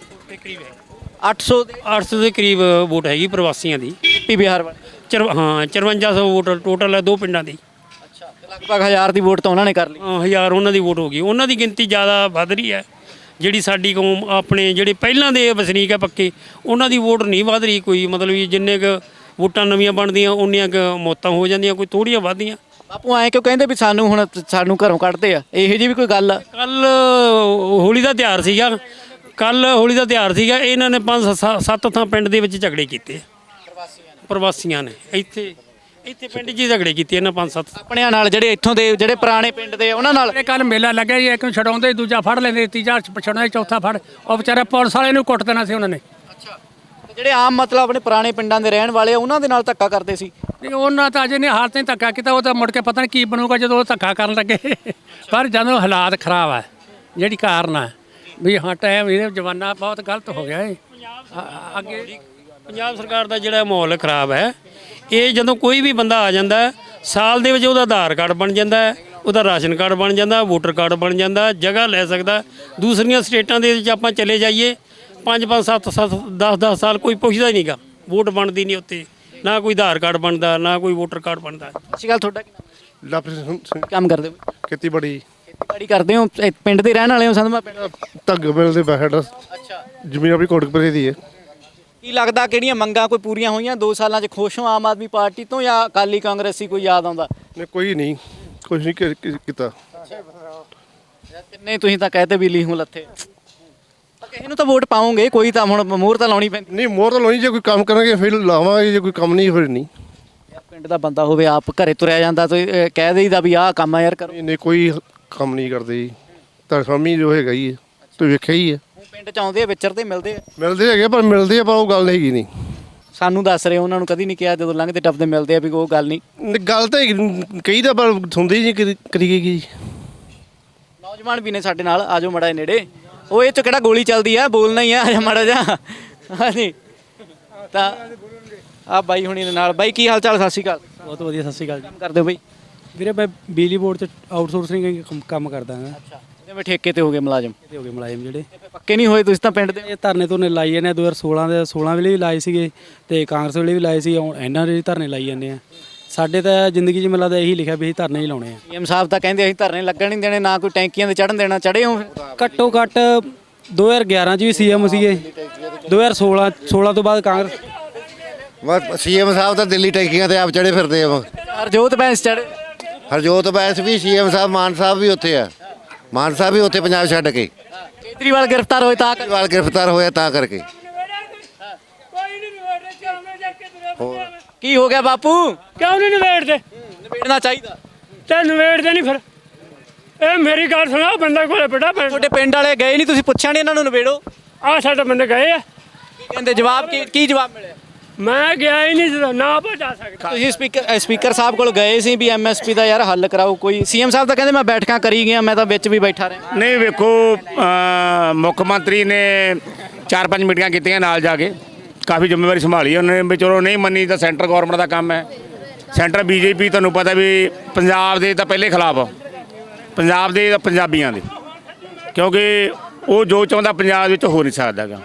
Speaker 1: ਅੱਠ ਸੌ ਦੇ
Speaker 3: ਅੱਠ ਸੌ ਦੇ ਕਰੀਬ ਵੋਟ ਹੈਗੀ ਪ੍ਰਵਾਸੀਆਂ ਦੀ।
Speaker 1: ਪੀ ਬਿਹਾਰ ਵਾਲੇ।
Speaker 3: ਚਰ ਹਾਂ ਚੁਰੰਜਾ ਸੌ ਵੋਟ ਟੋਟਲ ਹੈ ਦੋ ਪਿੰਡਾਂ ਦੀ।
Speaker 1: ਅੱਛਾ, ਤੇ ਲਗਭਗ ਹਜ਼ਾਰ ਦੀ ਵੋਟ ਤਾਂ ਉਹਨਾਂ ਨੇ ਕਰ ਲਈ।
Speaker 3: ਹਾਂ, ਹਜ਼ਾਰ ਉਹਨਾਂ ਦੀ ਵੋਟ ਹੋ ਗਈ, ਉਹਨਾਂ ਦੀ ਗਿਣਤੀ ਜ਼ਿਆਦਾ ਵੱਧ ਰਹੀ ਹੈ। ਜਿਹੜੀ ਸਾਡੀ ਕੌਮ ਆਪਣੇ ਜਿਹੜੇ ਪਹਿਲਾਂ ਦੇ ਵਸਨੀਕ ਹੈ ਪੱਕੇ, ਉਹਨਾਂ ਦੀ ਵੋਟ ਨਹੀਂ ਵੱਧ ਰਹੀ ਕੋਈ, ਮਤਲਬ ਵੀ ਜਿੰਨੇ ਕੁ ਵੋਟਾਂ ਨਵੀਆਂ ਬਣਦੀਆਂ ਉਨੀਆਂ ਕੁ ਮੌਤਾਂ ਹੋ ਜਾਂਦੀਆਂ, ਕੋਈ ਥੋੜ੍ਹੀਆਂ ਵੱਧਦੀਆਂ।
Speaker 1: ਬਾਪੂ ਐਂ ਕਿਉਂ ਕਹਿੰਦੇ ਵੀ ਸਾਨੂੰ ਹੁਣ ਸਾਨੂੰ ਘਰੋਂ ਕੱਢਦੇ ਆ, ਇਹੋ ਜਿਹੀ ਵੀ ਕੋਈ ਗੱਲ ਆ?
Speaker 3: ਕੱਲ ਹੋਲੀ ਦਾ ਤਿਉਹਾਰ ਸੀਗਾ, ਕੱਲ ਹੋਲੀ ਦਾ ਤਿਉਹਾਰ ਸੀਗਾ, ਇਹਨਾਂ ਨੇ ਪੰਜ ਸ- ਸੱਤ ਥਾਂ ਪਿੰਡ ਦੇ ਵਿੱਚ ਝਗੜੇ ਕੀਤੇ ਪ੍ਰਵਾਸੀਆਂ ਨੇ। ਇੱਥੇ ਇੱਥੇ ਪਿੰਡ 'ਚ ਹੀ ਝਗੜੇ ਕੀਤੇ ਇਹਨਾਂ ਪੰਜ ਸੱਤ।
Speaker 1: ਆਪਣਿਆਂ ਨਾਲ ਜਿਹੜੇ ਇੱਥੋਂ ਦੇ ਜਿਹੜੇ ਪੁਰਾਣੇ ਪਿੰਡ ਦੇ ਉਹਨਾਂ ਨਾਲ?
Speaker 4: ਇਹ ਕੱਲ ਮੇਲਾ ਲੱਗਿਆ ਜੀ, ਇੱਕ ਨੂੰ ਛਡਾਉਂਦੇ ਦੂਜਾ ਫੜ ਲੈਂਦੇ, ਤੀਜਾ ਛਡਾਉਂਦੇ ਚੌਥਾ ਫੜ, ਉਹ ਵਿਚਾਰੇ ਪੁਲਿਸ ਵਾਲੇ ਨੂੰ ਕੁੱਟ ਦੇਣਾ ਸੀ ਉਹਨਾਂ ਨੇ।
Speaker 1: ਅੱਛਾ, ਜਿਹੜੇ ਆਮ ਮਤਲਬ ਆਪਣੇ ਪੁਰਾਣੇ ਪਿੰਡਾਂ ਦੇ ਰਹਿਣ ਵਾਲੇ ਆ ਉਹਨਾਂ ਦੇ ਨਾਲ ਧੱਕਾ ਕਰਦੇ ਸੀ।
Speaker 4: ਨਹੀਂ ਉਹਨਾਂ ਤਾਂ ਅਜੇ ਨਹੀਂ ਹਾਲ ਤੇ ਧੱਕਾ ਕੀਤਾ, ਉਹ ਤਾਂ ਮੁੜ ਕੇ ਪਤਾ ਨਹੀਂ ਕੀ ਬਣੂਗਾ ਜਦੋਂ ਉਹ ਧੱਕਾ ਕਰਨ ਲੱਗੇ। ਪਰ ਜਦੋਂ ਹਾਲਾਤ ਖਰਾਬ ਹੈ ਜਿਹੜੀ ਕਾਰਨ ਹੈ ਵੀ ਹਾਂ ਟਾਈਮ ਇਹ ਜਵਾਨਾ ਬਹੁਤ ਗਲਤ ਹੋ ਗਿਆ ਹੈ ਅ- ਅੱਗੇ
Speaker 3: ਪੰਜਾਬ ਸਰਕਾਰ ਦਾ ਜਿਹੜਾ ਮਾਹੌਲ ਖਰਾਬ ਹੈ, ਇਹ ਜਦੋਂ ਕੋਈ ਵੀ ਬੰਦਾ ਆ ਜਾਂਦਾ ਹੈ, ਸਾਲ ਦੇ ਵਿੱਚ ਉਹਦਾ ਆਧਾਰ ਕਾਰਡ ਬਣ ਜਾਂਦਾ ਹੈ, ਉਹਦਾ ਰਾਸ਼ਨ ਕਾਰਡ ਬਣ ਜਾਂਦਾ, ਵੋਟਰ ਕਾਰਡ ਬਣ ਜਾਂਦਾ, ਜਗ੍ਹਾ ਲੈ ਸਕਦਾ। ਦੂਸਰੀਆਂ ਸਟੇਟਾਂ ਦੇ ਵਿੱਚ ਆਪਾਂ ਚਲੇ ਜਾਈਏ, ਪੰਜ ਪੰਜ ਸੱਤ ਸੱਤ ਦਸ ਦਸ ਸਾਲ ਕੋਈ ਪੁੱਛਦਾ ਹੀ ਨਹੀਂਗਾ, ਵੋਟ ਬਣਦੀ ਨਹੀਂ ਉੱਥੇ, ਨਾ ਕੋਈ ਆਧਾਰ ਕਾਰਡ ਬਣਦਾ, ਨਾ ਕੋਈ ਵੋਟਰ ਕਾਰਡ ਬਣਦਾ।
Speaker 1: ਸਤਿ ਸ਼੍ਰੀ ਅਕਾਲ, ਤੁਹਾਡਾ ਕੀ ਨਾਮ?
Speaker 6: ਲਵਪ੍ਰੀਤ ਸਿੰਘ
Speaker 1: ਕੰਮ ਕਰਦੇ ਹੋ?
Speaker 6: ਖੇਤੀਬਾੜੀ
Speaker 1: ਖੇਤੀਬਾੜੀ ਕਰਦੇ ਹੋ? ਇਹ ਪਿੰਡ ਦੇ ਰਹਿਣ ਵਾਲੇ ਹੋ? ਸੰਧਮਾ ਪਿੰਡ।
Speaker 6: ਧੱਗ ਮਿਲ ਦੇ ਬੈਠ
Speaker 1: ਅੱਛਾ,
Speaker 6: ਜ਼ਮੀਨ ਆਪਣੀ ਕੋਟਕਪੁਰੇ ਦੀ ਹੈ।
Speaker 1: ਕੀ ਲੱਗਦਾ ਕਿਹੜੀਆਂ ਮੰਗਾਂ ਕੋਈ ਪੂਰੀਆਂ ਹੋਈਆਂ ਦੋ ਸਾਲਾਂ 'ਚ? ਖੁਸ਼ ਹੋ ਆਮ ਆਦਮੀ ਪਾਰਟੀ ਤੋਂ ਜਾਂ ਅਕਾਲੀ ਕਾਂਗਰਸੀ ਕੋਈ ਯਾਦ ਆਉਂਦਾ?
Speaker 6: ਨੇ ਕੋਈ ਨਹੀਂ ਕੁਛ ਨਹੀਂ ਕੀ- ਕੀ- ਕੀਤਾ।
Speaker 1: ਕਿੰਨੇ ਤੁਸੀਂ ਤਾਂ ਕਹਤੇ ਬਿੱਲੀ ਹੂੰ ਲੱਥੇ, ਤਾਂ ਕਿਸੇ ਨੂੰ ਤਾਂ ਵੋਟ ਪਾਉਂਗੇ, ਕੋਈ ਤਾਂ ਹੁਣ ਮੋਹਰ ਤਾਂ ਲਾਉਣੀ ਪੈਂਦੀ।
Speaker 6: ਨਹੀਂ ਮੋਹਰ ਤਾਂ ਲਾਉਣੀ, ਜੇ ਕੋਈ ਕੰਮ ਕਰਾਂਗੇ ਫਿਰ ਲਾਵਾਂਗੇ, ਜੇ ਕੋਈ ਕੰਮ ਨਹੀਂ ਫਿਰ ਨਹੀਂ।
Speaker 1: ਯਾਰ ਪਿੰਡ ਦਾ ਬੰਦਾ ਹੋਵੇ ਆਪ ਘਰੇ ਤੁਰਿਆ ਜਾਂਦਾ ਤੇ ਅਹ, ਕਹਿ ਦੇਈਦਾ ਵੀ ਆਹ ਕੰਮ ਆ ਯਾਰ ਕਰੋ।
Speaker 6: ਨਹੀਂ ਨਹੀਂ ਕੋਈ ਕੰਮ ਨਹੀਂ ਕਰਦੇ ਜੀ, ਤਾਂ ਸਾਮੀ ਜੋ ਹੈਗਾ ਹੀ ਹੈ ਤੁਸੀਂ ਵੇਖਿਆ ਹੀ ਹੈ।
Speaker 1: ਉਹ ਪਿੰਡ 'ਚ ਆਉਂਦੇ ਆ, ਵਿਚਰਦੇ ਮਿਲਦੇ ਆ,
Speaker 6: ਮਿਲਦੇ ਹੈਗੇ ਪਰ ਮਿਲਦੇ ਆ ਪਰ ਉਹ ਗੱਲ ਹੈਗੀ ਨਹੀਂ।
Speaker 1: ਸਾਨੂੰ ਦੱਸ ਰਹੇ ਉਹਨਾਂ ਨੂੰ ਕਦੀ ਨਹੀਂ ਕਿਹਾ ਜਦੋਂ ਲੰਘਦੇ ਟੱਪਦੇ ਮਿਲਦੇ ਆ ਵੀ ਉਹ ਗੱਲ ਨਹੀਂ।
Speaker 6: ਨਹੀਂ, ਗੱਲ ਤਾਂ ਹੈਗੀ, ਕਹੀ ਤਾਂ ਪਰ ਸੁਣਦੀ ਨਹੀਂ ਕਰੀ ਕਰੀਏ ਕੀ।
Speaker 1: ਨੌਜਵਾਨ ਵੀ ਨੇ ਸਾਡੇ ਨਾਲ, ਆਜੋ ਮੜਾ ਨੇੜੇ। ਉਹ ਇਹ 'ਚ ਕਿਹੜਾ ਗੋਲੀ ਚੱਲਦੀ ਆ, ਬੋਲਣਾ ਹੀ ਆ, ਆਜਾ ਮੜਾ ਜਾ। ਹਾਂਜੀ ਤਾਂ ਆ ਬਾਈ ਹੁਣੀ ਦੇ ਨਾਲ। ਬਾਈ ਕੀ ਹਾਲ ਚਾਲ? ਸਤਿ ਸ਼੍ਰੀ ਅਕਾਲ।
Speaker 5: ਬਹੁਤ ਵਧੀਆ, ਸਤਿ ਸ਼੍ਰੀ ਅਕਾਲ ਜੀ।
Speaker 1: ਕੰਮ ਕਰਦੇ ਹੋ ਬਾਈ?
Speaker 5: ਵੀਰੇ ਮੈਂ ਬਿਜਲੀ ਬੋਰਡ 'ਚ ਆਊਟਸੋਰਸਿੰਗ ਕੰਮ ਕਰਦਾ ਹਾਂ।
Speaker 1: ਅੱਛਾ, ਜਿਵੇਂ ਠੇਕੇ ਤੇ ਹੋ ਗਏ ਮੁਲਾਜ਼ਮ,
Speaker 5: ਤੇ ਹੋ ਗਏ ਮੁਲਾਜ਼ਮ ਜਿਹੜੇ
Speaker 1: ਪੱਕੇ ਨਹੀਂ ਹੋਏ ਤੁਸੀਂ ਤਾਂ ਪਿੰਡ ਦੇ।
Speaker 5: ਇਹ ਧਰਨੇ ਧੁਰਨੇ ਲਾਈ ਜਾਂਦੇ ਆ, ਦੋ ਹਜ਼ਾਰ ਸੋਲਾਂ ਦੇ ਸੋਲਾਂ ਵੇਲੇ ਵੀ ਲਾਏ ਸੀਗੇ ਤੇ ਕਾਂਗਰਸ ਵੇਲੇ ਵੀ ਲਾਏ ਸੀ, ਹੁਣ ਇਹਨਾਂ ਦੇ ਵੀ ਧਰਨੇ ਲਾਈ ਜਾਂਦੇ ਆ। ਸਾਡੇ ਤਾਂ ਜ਼ਿੰਦਗੀ 'ਚ ਮੈਨੂੰ ਲੱਗਦਾ ਇਹੀ ਲਿਖਿਆ ਵੀ ਅਸੀਂ ਧਰਨੇ ਹੀ ਲਾਉਣੇ ਆ।
Speaker 1: ਸੀਐਮ ਸਾਹਿਬ ਤਾਂ ਕਹਿੰਦੇ ਅਸੀਂ ਧਰਨੇ ਲੱਗਣ ਨਹੀਂ ਦੇਣੇ, ਨਾ ਕੋਈ ਟੈਂਕੀਆਂ ਤੇ ਚੜਨ ਦੇਣਾ। ਚੜੇ ਹੋ?
Speaker 5: ਘੱਟੋ ਘੱਟ ਦੋ ਹਜ਼ਾਰ ਗਿਆਰਾਂ 'ਚ ਵੀ ਸੀਐਮ ਸੀਗੇ, ਦੋ ਹਜ਼ਾਰ ਸੋਲਾਂ ਸੋਲਾਂ ਤੋਂ ਬਾਅਦ ਕਾਂਗਰਸ।
Speaker 2: ਬਸ ਸੀਐਮ ਸਾਹਿਬ ਤਾਂ ਦਿੱਲੀ ਟੈਂਕੀਆਂ ਤੇ ਆਪ ਚੜੇ ਫਿਰਦੇ ਆ।
Speaker 1: ਹਰਜੋਤ ਬੈਂਸ ਚੜੇ।
Speaker 2: ਹਰਜੋਤ ਬੈਂਸ ਵੀ ਸੀਐਮ ਸਾਹਿਬ, ਮਾਨ ਸਾਹਿਬ ਵੀ ਉੱਥੇ ਆ। ਮਾਨ ਸਾਹਿਬ ਵੀ ਉੱਥੇ ਪੰਜਾਬ ਛੱਡ ਕੇ
Speaker 1: ਕੇਜਰੀਵਾਲ ਗ੍ਰਿਫਤਾਰ ਹੋਏ ਤਾਂ
Speaker 2: ਕੇਜਰੀਵਾਲ ਗ੍ਰਿਫਤਾਰ ਹੋਇਆ ਤਾਂ ਕਰਕੇ।
Speaker 1: ਕੀ ਹੋ ਗਿਆ ਬਾਪੂ?
Speaker 7: ਕਿਉਂ ਨਹੀਂ ਨਿਬੇੜਦੇ?
Speaker 1: ਨਿਬੇੜਨਾ ਚਾਹੀਦਾ।
Speaker 7: ਤੇ ਨਿਬੇੜਦੇ ਨਹੀਂ ਫਿਰ। ਇਹ ਮੇਰੀ ਗੱਲ ਸੁਣੋ, ਬੰਦਾ ਕੋਲੇ ਬੜਾ ਪਿੰਡ
Speaker 1: ਤੁਹਾਡੇ ਪਿੰਡ ਵਾਲੇ ਗਏ ਨਹੀਂ, ਤੁਸੀਂ ਪੁੱਛਿਆ ਨਹੀਂ ਇਹਨਾਂ ਨੂੰ ਨਿਬੇੜੋ?
Speaker 7: ਆ ਸਾਡੇ ਬੰਦੇ ਗਏ ਆ,
Speaker 1: ਕੀ ਕਹਿੰਦੇ? ਜਵਾਬ ਕੀ ਕੀ ਜਵਾਬ ਮਿਲਿਆ?
Speaker 7: ਮੈਂ ਗਿਆ ਹੀ ਨਹੀਂ ਜਦੋਂ, ਨਾ ਆਪਾਂ ਜਾ ਸਕਦਾ।
Speaker 1: ਤੁਸੀਂ ਸਪੀਕਰ ਸਪੀਕਰ ਸਾਹਿਬ ਕੋਲ ਗਏ ਸੀ ਵੀ ਐਮਐਸਪੀ ਦਾ ਯਾਰ ਹੱਲ ਕਰਾਓ ਕੋਈ? ਸੀਐਮ ਸਾਹਿਬ ਤਾਂ ਕਹਿੰਦੇ ਮੈਂ ਬੈਠਕਾਂ ਕਰੀ ਗਿਆ, ਮੈਂ ਤਾਂ ਵਿੱਚ ਵੀ ਬੈਠਾ ਰਿਹਾ।
Speaker 8: ਨਹੀਂ ਵੇਖੋ, ਅ, ਮੁੱਖ ਮੰਤਰੀ ਨੇ ਚਾਰ ਪੰਜ ਮੀਟਿੰਗਾਂ ਕੀਤੀਆਂ ਨਾਲ ਜਾ ਕੇ, ਕਾਫੀ ਜ਼ਿੰਮੇਵਾਰੀ ਸੰਭਾਲੀ ਉਹਨਾਂ ਨੇ ਵੀ ਚਲੋ ਨਹੀਂ ਮੰਨੀ ਤਾਂ ਸੈਂਟਰ ਗਵਰਨਮੈਂਟ ਦਾ ਕੰਮ ਹੈ। ਸੈਂਟਰ ਬੀਜੇਪੀ ਤੁਹਾਨੂੰ ਪਤਾ ਵੀ ਪੰਜਾਬ ਦੇ ਤਾਂ ਪਹਿਲੇ ਖਿਲਾਫ, ਪੰਜਾਬ ਦੇ ਤਾਂ ਪੰਜਾਬੀਆਂ ਦੇ, ਕਿਉਂਕਿ ਉਹ ਜੋ ਚਾਹੁੰਦਾ ਪੰਜਾਬ ਵਿੱਚ ਹੋ ਨਹੀਂ ਸਕਦਾ ਗਾ।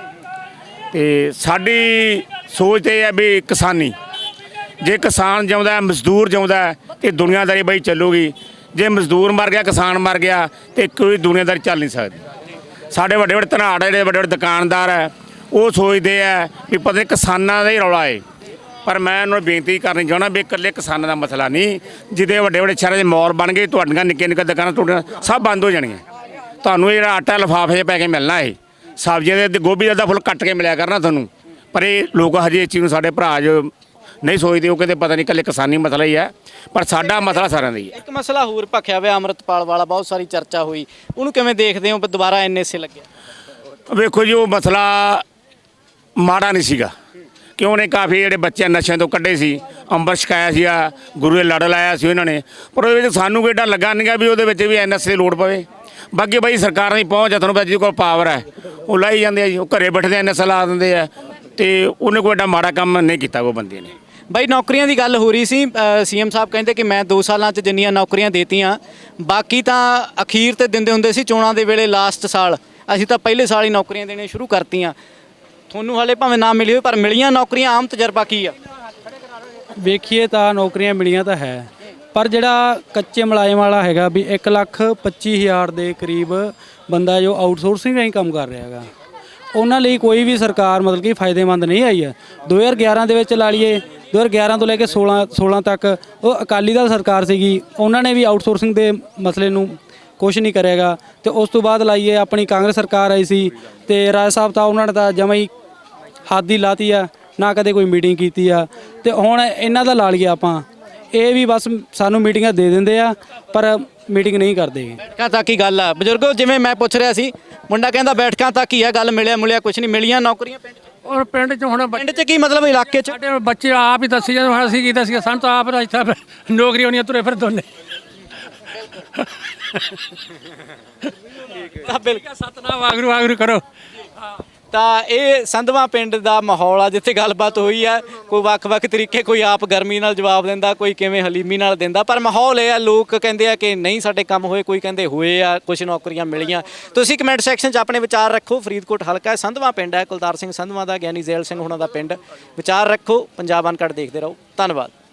Speaker 8: ਤੇ ਸਾਡੀ ਸੋਚ ਤੇ ਹੈ ਵੀ ਕਿਸਾਨੀ, ਜੇ ਕਿਸਾਨ ਜਿਉਂਦਾ, ਮਜ਼ਦੂਰ ਜਿਉਂਦਾ ਤੇ ਦੁਨੀਆਦਾਰੀ ਬਈ ਚੱਲੂਗੀ। ਜੇ ਮਜ਼ਦੂਰ ਮਰ ਗਿਆ, ਕਿਸਾਨ ਮਰ ਗਿਆ ਤੇ ਕੋਈ ਦੁਨੀਆਦਾਰੀ ਚੱਲ ਨਹੀਂ ਸਕਦੀ। ਸਾਡੇ ਵੱਡੇ ਵੱਡੇ ਧਨਾੜ ਜਿਹੜੇ ਵੱਡੇ ਵੱਡੇ ਦੁਕਾਨਦਾਰ ਹੈ ਉਹ ਸੋਚਦੇ ਆ ਵੀ ਪਤਾ ਨਹੀਂ ਕਿਸਾਨਾਂ ਦਾ ਹੀ ਰੌਲਾ ਹੈ। ਪਰ ਮੈਂ ਉਹਨਾਂ ਨੂੰ ਬੇਨਤੀ ਕਰਨੀ ਚਾਹੁੰਦਾ ਵੀ ਇਕੱਲੇ ਕਿਸਾਨਾਂ ਦਾ ਮਸਲਾ ਨਹੀਂ, ਜਿਹਦੇ ਵੱਡੇ ਵੱਡੇ ਸ਼ਹਿਰਾਂ ਦੇ ਮੌਲ ਬਣ ਗਏ, ਤੁਹਾਡੀਆਂ ਨਿੱਕੀਆਂ ਨਿੱਕੀਆਂ ਦੁਕਾਨਾਂ ਤੁਹਾਡੀਆਂ ਸਭ ਬੰਦ ਹੋ ਜਾਣਗੀਆਂ। ਤੁਹਾਨੂੰ ਇਹ ਜਿਹੜਾ ਆਟਾ ਲਿਫਾਫੇ 'ਚ ਪੈ ਕੇ ਮਿਲਣਾ ਹੈ, ਸਬਜ਼ੀਆਂ ਦੇ ਗੋਭੀ ਦਾ ਫੁੱਲ ਕੱਟ ਕੇ ਮਿਲਿਆ ਕਰਨਾ ਤੁਹਾਨੂੰ। ਪਰ ਇਹ ਲੋਕ ਹਜੇ ਇਸ ਚੀਜ਼ ਨੂੰ, ਸਾਡੇ ਭਰਾ ਜੋ ਨਹੀਂ ਸੋਚਦੇ, ਉਹ ਕਹਿੰਦੇ ਪਤਾ ਨਹੀਂ ਇਕੱਲੇ ਕਿਸਾਨੀ ਮਸਲਾ ਹੀ ਹੈ, ਪਰ ਸਾਡਾ ਮਸਲਾ ਸਾਰਿਆਂ ਦਾ ਹੀ ਹੈ।
Speaker 1: ਇੱਕ ਮਸਲਾ ਹੋਰ ਭਖਿਆ ਹੋਇਆ ਅੰਮ੍ਰਿਤਪਾਲ ਵਾਲਾ, ਬਹੁਤ ਸਾਰੀ ਚਰਚਾ ਹੋਈ, ਉਹਨੂੰ ਕਿਵੇਂ ਦੇਖਦੇ ਹੋ? ਦੁਬਾਰਾ ਐਨਐਸਏ ਲੱਗਿਆ।
Speaker 8: ਵੇਖੋ ਜੀ, ਉਹ ਮਸਲਾ ਮਾੜਾ ਨਹੀਂ ਸੀਗਾ, ਕਿ ਉਹਨੇ ਕਾਫੀ ਜਿਹੜੇ ਬੱਚੇ ਨਸ਼ਿਆਂ ਤੋਂ ਕੱਢੇ ਸੀ, ਅੰਬਰ ਛਕਾਇਆ ਸੀਗਾ, ਗੁਰੂ ਦੇ ਲੜ ਲਾਇਆ ਸੀ ਉਹਨਾਂ ਨੇ। ਪਰ ਉਹਦੇ ਵਿੱਚ ਸਾਨੂੰ ਕੋਈ ਏਡਾ ਲੱਗਾ ਨਹੀਂ ਗਾ ਵੀ ਉਹਦੇ ਵਿੱਚ ਵੀ ਐਨਐਸਏ ਦੀ ਲੋੜ ਪਵੇ। ਬਾਕੀ ਬਾਈ ਸਰਕਾਰਾਂ ਦੀ ਪਹੁੰਚ ਹੈ, ਤੁਹਾਨੂੰ ਪਤਾ ਜਿਹਦੇ ਕੋਲ ਪਾਵਰ ਹੈ ਉਹ ਲਾਈ ਜਾਂਦੇ ਆ ਜੀ, ਉਹ ਘਰੇ ਬੈਠਦੇ ਐਨਐਸਏ ਲਾ ਦਿੰਦੇ ਆ, ਤੇ ਉਹਨੇ ਕੋਈ ਏਡਾ ਮਾੜਾ ਕੰਮ ਨਹੀਂ ਕੀਤਾ ਉਹ ਬੰਦੇ ਨੇ।
Speaker 1: ਬਾਈ ਨੌਕਰੀਆਂ ਦੀ ਗੱਲ ਹੋ ਰਹੀ ਸੀ, ਸੀਐਮ ਸਾਹਿਬ ਕਹਿੰਦੇ ਕਿ ਮੈਂ ਦੋ ਸਾਲਾਂ 'ਚ ਜਿੰਨੀਆਂ ਨੌਕਰੀਆਂ ਦੇਤੀਆਂ, ਬਾਕੀ ਤਾਂ ਅਖੀਰ ਤੇ ਦਿੰਦੇ ਹੁੰਦੇ ਸੀ ਚੋਣਾਂ ਦੇ ਵੇਲੇ, ਲਾਸਟ ਸਾਲ। ਅਸੀਂ ਤਾਂ ਪਹਿਲੇ ਸਾਲ ਹੀ ਨੌਕਰੀਆਂ ਦੇਣੀਆਂ ਸ਼ੁਰੂ ਕਰਤੀਆਂ। ਤੁਹਾਨੂੰ ਹਾਲੇ ਭਾਵੇਂ ਨਾ ਮਿਲੀ ਹੋਵੇ, ਪਰ ਮਿਲੀਆਂ ਨੌਕਰੀਆਂ, ਆਮ ਤਜਰਬਾ ਕੀ ਆ?
Speaker 5: ਵੇਖੀਏ ਤਾਂ ਨੌਕਰੀਆਂ ਮਿਲੀਆਂ ਤਾਂ ਹੈ, ਪਰ ਜਿਹੜਾ ਕੱਚੇ ਮੁਲਾਜ਼ਮ ਵਾਲਾ ਹੈਗਾ ਵੀ ਇੱਕ ਲੱਖ ਪੱਚੀ ਹਜ਼ਾਰ ਦੇ ਕਰੀਬ ਬੰਦਾ ਜੋ ਆਊਟਸੋਰਸਿੰਗ ਰਾਹੀਂ ਕੰਮ ਕਰ ਰਿਹਾ ਹੈਗਾ, ਉਹਨਾਂ ਲਈ ਕੋਈ ਵੀ ਸਰਕਾਰ ਮਤਲਬ ਕਿ ਫਾਇਦੇਮੰਦ ਨਹੀਂ ਆਈ ਹੈ। ਦੋ ਹਜ਼ਾਰ ਗਿਆਰਾਂ ਦੇ ਵਿੱਚ ਲਾ ਲਈਏ, ਦੋ ਹਜ਼ਾਰ ਗਿਆਰਾਂ ਤੋਂ ਲੈ ਕੇ ਸੋਲਾਂ ਸੋਲਾਂ ਤੱਕ ਉਹ ਅਕਾਲੀ ਦਲ ਸਰਕਾਰ ਸੀਗੀ, ਉਹਨਾਂ ਨੇ ਵੀ ਆਊਟਸੋਰਸਿੰਗ ਦੇ ਮਸਲੇ ਨੂੰ ਕੁਛ ਨਹੀਂ ਕਰੇਗਾ। ਤੇ ਉਸ ਤੋਂ ਬਾਅਦ ਲਾਈਏ ਆਪਣੀ ਕਾਂਗਰਸ ਸਰਕਾਰ ਆਈ ਸੀ, ਤੇ ਰਾਜ ਸਾਹਿਬ ਤਾਂ ਉਹਨਾਂ ਨੇ ਤਾਂ ਜਮਾਂ ਹੀ ਹੱਦ ਹੀ ਲਾਤੀ ਆ, ਨਾ ਕਦੇ ਕੋਈ ਮੀਟਿੰਗ ਕੀਤੀ ਆ। ਤੇ ਹੁਣ ਇਹਨਾਂ ਦਾ ਲਾ ਲਈਏ ਆਪਾਂ, ਇਹ ਵੀ ਬਸ ਸਾਨੂੰ ਮੀਟਿੰਗਾਂ ਦੇ ਦਿੰਦੇ ਆ ਪਰ ਮੀਟਿੰਗ ਨਹੀਂ ਕਰਦੇ।
Speaker 1: ਬੈਠਕਾਂ ਤੱਕ ਹੀ ਗੱਲ ਆ ਬਜ਼ੁਰਗੋ, ਜਿਵੇਂ ਮੈਂ ਪੁੱਛ ਰਿਹਾ ਸੀ, ਮੁੰਡਾ ਕਹਿੰਦਾ ਬੈਠਕਾਂ ਤੱਕ ਹੀ ਆ ਗੱਲ, ਮਿਲਿਆ ਮੁਲਿਆ ਕੁਛ ਨਹੀਂ। ਮਿਲੀਆਂ ਨੌਕਰੀਆਂ ਪਿੰਡ 'ਚ?
Speaker 4: ਔਰ ਪਿੰਡ 'ਚ ਹੁਣ ਬੱਚੇ
Speaker 1: ਪਿੰਡ 'ਚ ਕੀ ਮਤਲਬ ਇਲਾਕੇ 'ਚ
Speaker 4: ਸਾਡੇ ਬੱਚੇ ਆਪ ਹੀ ਦੱਸੀ ਜਾਂਦੇ ਹੁਣ ਅਸੀਂ ਕੀ ਦੱਸੀਏ ਸਾਨੂੰ ਤਾਂ ਆਪ ਇੱਥੇ ਨੌਕਰੀ ਹੋਣੀ ਤੁਰੇ ਫਿਰ ਦੋਨੇ
Speaker 1: ਤਾਂ ਬਿਲਕੁਲ
Speaker 4: ਸਤਨਾਮ ਵਾਗਰੂ ਵਾਗਰੂ ਕਰੋ
Speaker 1: ਤਾਂ ਇਹ ਸੰਧਵਾ ਪਿੰਡ ਦਾ ਮਾਹੌਲ ਆ ਜਿੱਥੇ ਗੱਲਬਾਤ ਹੋਈ ਆ। ਕੋਈ ਵੱਖ-ਵੱਖ ਤਰੀਕੇ, ਕੋਈ ਆਪ ਗਰਮੀ ਨਾਲ ਜਵਾਬ ਦਿੰਦਾ, ਕੋਈ ਕਿਵੇਂ ਹਲੀਮੀ ਨਾਲ ਦਿੰਦਾ, ਪਰ ਮਾਹੌਲ ਇਹ ਆ, ਲੋਕ ਕਹਿੰਦੇ ਆ ਕਿ ਨਹੀਂ ਸਾਡੇ ਕੰਮ ਹੋਏ, ਕੋਈ ਕਹਿੰਦੇ ਹੋਏ ਆ, ਕੁਝ ਨੌਕਰੀਆਂ ਮਿਲੀਆਂ। ਤੁਸੀਂ ਕਮੈਂਟ ਸੈਕਸ਼ਨ 'ਚ ਆਪਣੇ ਵਿਚਾਰ ਰੱਖੋ। ਫਰੀਦਕੋਟ ਹਲਕਾ ਹੈ, ਸੰਧਵਾ ਪਿੰਡ ਹੈ, ਕੁਲਤਾਰ ਸਿੰਘ ਸੰਧਵਾ ਦਾ, ਗਿਆਨੀ ਜ਼ੈਲ ਸਿੰਘ ਹੁਣਾਂ ਦਾ ਪਿੰਡ। ਵਿਚਾਰ ਰੱਖੋ। ਪੰਜਾਬ ਅਨਕਟ ਦੇਖਦੇ ਰਹੋ। ਧੰਨਵਾਦ।